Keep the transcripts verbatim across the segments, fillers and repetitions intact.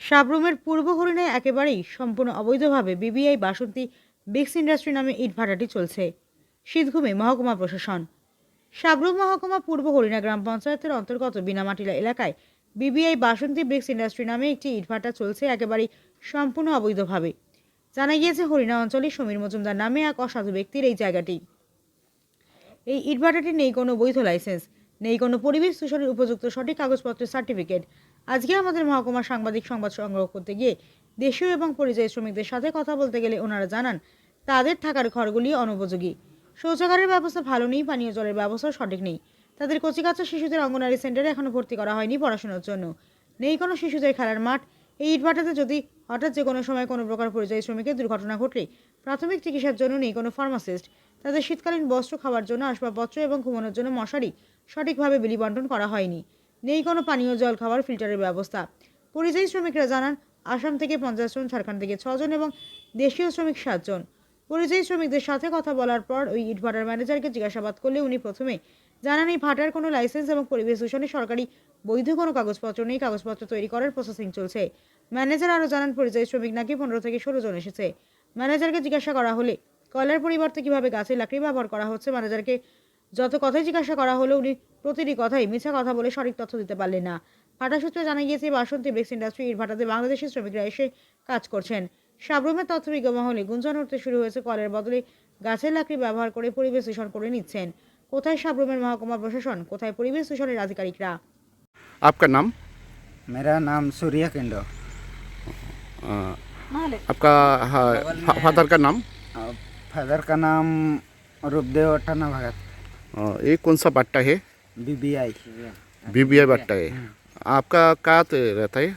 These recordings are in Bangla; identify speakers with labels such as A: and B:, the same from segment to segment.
A: সাবরুমের পূর্ব হরিণায় একেবারেই সম্পূর্ণ অবৈধভাবে বিবিআই বাসন্তী ব্রিক্স ইন্ডাস্ট্রি নামে ইটভাটাটি চলছে। শীতঘুমে মহকুমা প্রশাসন। সাবরুম মহকুমা পূর্ব হরিণা গ্রাম পঞ্চায়েতের অন্তর্গত বিনামাটিলা এলাকায় বিবিআই বাসন্তী ব্রিক্স ইন্ডাস্ট্রি নামে একটি ইটভাটা চলছে একেবারেই সম্পূর্ণ অবৈধভাবে। জানা গিয়েছে হরিণা অঞ্চলে সমীর মজুমদার নামে এক অসাধু ব্যক্তির এই জায়গাটি। এই ইটভাটাটির নেই কোনো বৈধ লাইসেন্স, নেই কোনো পরিবেশ দূষণের উপযুক্ত সঠিক কাগজপত্রের সার্টিফিকেট। আজকে আমাদের মহকুমা সাংবাদিক সংবাদ সংগ্রহ করতে গিয়ে দেশীয় এবং পরিযায়ী শ্রমিকদের সাথে কথা বলতে গেলে ওনারা জানান তাদের থাকার ঘরগুলি অনুপযোগী, শৌচাগারের ব্যবস্থা ভালো নেই, পানীয় জলের ব্যবস্থা সঠিক নেই। তাদের কচিকাচ্চা শিশুদের অঙ্গনারী সেন্টারে এখনও ভর্তি করা হয়নি পড়াশোনার জন্য, নেই কোনো শিশুদের খেলার মাঠ। এই ইটভাটাতে যদি হঠাৎ যে কোনো সময় কোনো প্রকার পরিযায়ী শ্রমিকের দুর্ঘটনা ঘটলে প্রাথমিক চিকিৎসার জন্য নেই কোনো ফার্মাসিস্ট। তাদের শীতকালীন বস্ত্র, খাওয়ার জন্য আসবাবপত্র এবং ঘুমানোর জন্য মশারি সঠিকভাবে বিলি বন্টন করা হয়নি, নেই কোনো পানীয় জল খাওয়ার ফিল্টারের ব্যবস্থা। পরিযায়ী শ্রমিকরা জানান আসাম থেকে পঞ্চাশ জন, ঝাড়খণ্ড থেকে ছজন এবং দেশীয় শ্রমিক সাতজন। পরিযায়ী শ্রমিকদের সাথে কথা বলার পর ওই ইটভাটার ম্যানেজারকে জিজ্ঞাসাবাদ করলে উনি প্রথমে জানান এই ভাটার কোনো লাইসেন্স এবং পরিবেশ দূষণে সরকারি বৈধ কোনো কাগজপত্র নেই, কাগজপত্র তৈরি করার প্রসেসিং চলছে। ম্যানেজার আরও জানান পরিযায়ী শ্রমিক নাকি পনেরো থেকে ষোলো জন এসেছে। ম্যানেজারকে জিজ্ঞাসা করা হলে কয়লার পরিবর্তে কীভাবে গাছের লাকড়ি ব্যবহার করা হচ্ছে, ম্যানেজারকে যত কথাই জিজ্ঞাসা করা হলো উনি প্রতিটি কথাই মিথ্যা কথা বলে সঠিক তথ্য দিতে পারলেন না। ভাটা সূত্রে জানা গিয়েছে বাসন্তী ব্রিক্স ইন্ডাস্ট্রি ইট ভাটাতে বাংলাদেশি শ্রমিকরা এসে কাজ করছেন। সাবরুমের তথ্যবিজ্ঞ মহলে গুঞ্জন উঠতে শুরু হয়েছে কলের বদলে গাছের লাকড়ি ব্যবহার করে পরিবেশ দূষণ করে নিচ্ছেন। কোথায় সাবরুমের মহকুমা প্রশাসন, কোথায় পরিবেশ দূষণের আধিকারিকরা?
B: आपका नाम?
C: मेरा नाम सूर्य किंडो।
B: आ, आपका फादर का नाम?
C: फादर का नाम रूपदेव अट्टाना भगत।
B: आ, ये कौन सा बट्टा है?
C: बीबीआई
B: बीबीआई बट्टा है। आपका कहाँ पे रहता है?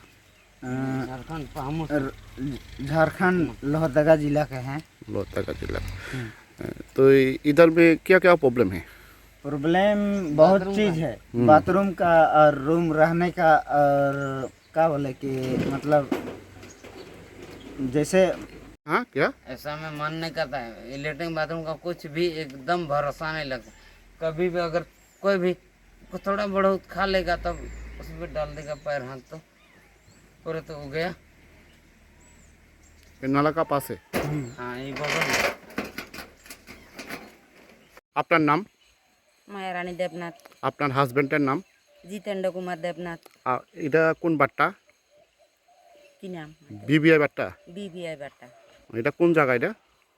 C: झारखंड लोहरदगा जिला के हैं।
B: लोहरदगा जिला। तो इधर में क्या क्या प्रॉब्लम है?
C: प्रॉब्लम बहुत चीज़ है, बाथरूम का और रूम रहने का, और क्या बोले कि मतलब जैसे
B: हाँ क्या
D: ऐसा में मन नहीं करता है। लेटरिन बाथरूम का कुछ भी एकदम भरोसा नहीं लगता। कभी भी अगर कोई भी थोड़ा बहुत खा लेगा तब उसमें डाल देगा पैर हाथ तो पूरे तो हो गया।
B: ये नाला का पास है?
D: हाँ ये बगल में।
B: আপনার নাম?
E: মায়া রানী দেবনাথ।
B: আপনার হাজবেন্ডের নাম?
E: জিতেন্দ্র কুমার দেবনাথ।
B: আর এটা কোন বাট্টা?
E: কি নাম?
B: বিবিআই বাট্টা।
E: বিবিআই বাট্টা।
B: এটা কোন জায়গা? এটা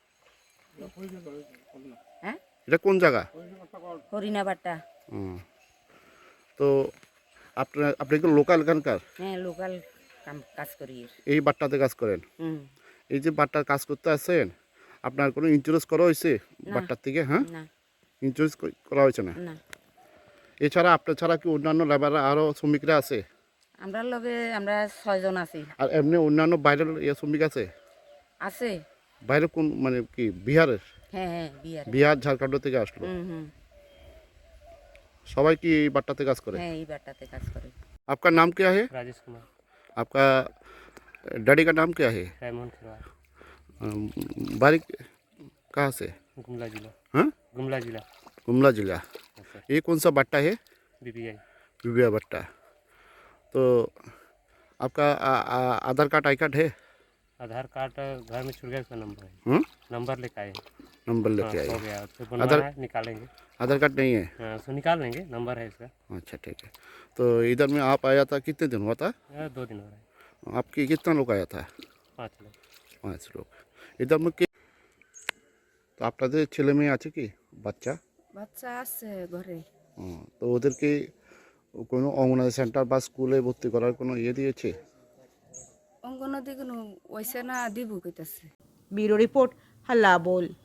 E: হ্যাঁ
B: এটা কোন জায়গা?
E: হরিণা বাট্টা।
B: হুম। তো আপনার আপনি কি লোকাল এখানকার?
E: হ্যাঁ লোকাল কাম কাজ করি।
B: এই বাট্টাতে কাজ করেন?
E: হুম।
B: এই যে বাট্টার কাজ করতে আসেন, আপনার কোনো ইন্স্যুরেন্স করা হয়েছে বাট্টার থেকে? হ্যাঁ,
E: না
B: ইন্স্যুরেন্স করা হয়েছে না?
E: না।
B: এছাড়া আপনার ছাড়া কি অন্যান্য লেবাররা আরও শ্রমিকরা আছে?
E: আমরা লগে আমরা ছয়জন আছি।
B: আর এমনি অন্যান্য বাইরের ইয়ে শ্রমিক আছে?
E: আছে।
B: বাইরে কোন মানে কি বিহারের?
E: হ্যাঁ হ্যাঁ বিহার।
B: বিহার ঝাড়খণ্ড থেকে আসলো।
E: হুম হুম।
B: সবাই কি এই বাট্টাতে কাজ করে?
E: হ্যাঁ এই বাট্টাতে কাজ করে।
B: आपका नाम क्या है?
F: राजेश कुमार।
B: आपका डैडी का नाम क्या है?
F: रेमन खिरवार।
B: अम, बारिक कहाँ से?
F: गुमला जिला।
B: हाँ,
F: गुमला जिला।
B: गुमला जिला। ये कौन सा बट्टा है?
F: बीबीआई।
B: बिबिया बट्टा। तो आपका आ- आ- आधार कार्ड आई कार्ड है?
F: आधार कार्ड घर में छूट गया, उसका नंबर है।
B: हम्म?
F: नंबर लेके आए हैं।
B: नंबर
F: हाँ,
B: लेके
F: हो
B: आए?
F: गया, तो बनवाना
B: आधार-
F: है, निकालेंगे।
B: आधार कार्ड नहीं है?
F: हाँ, उसको निकाल लेंगे, नंबर है इसका।
B: अच्छा ठीक है। तो इधर में आप आया था, कितने दिन हुआ था?
F: हाँ, दो दिन हो रहे हैं।
B: आपके कितना लोग आया था?
F: पाँच लोग।
B: पाँच लोग। इधर में কি তো আপনাদের ছেলে মেয়ে আছে কি বাচ্চা?
E: বাচ্চা আছে ঘরে।
B: হুম, তো ওদেরকে কোনো অঙ্গনওয়াড়ি সেন্টার বা স্কুলে ভর্তি করার কোনো ইয়ে দিয়েছে?
E: অঙ্গনদি কোনো ওইসে না দিব কইতাছে।
A: ব্যুরো রিপোর্ট, হাল্লা বোল।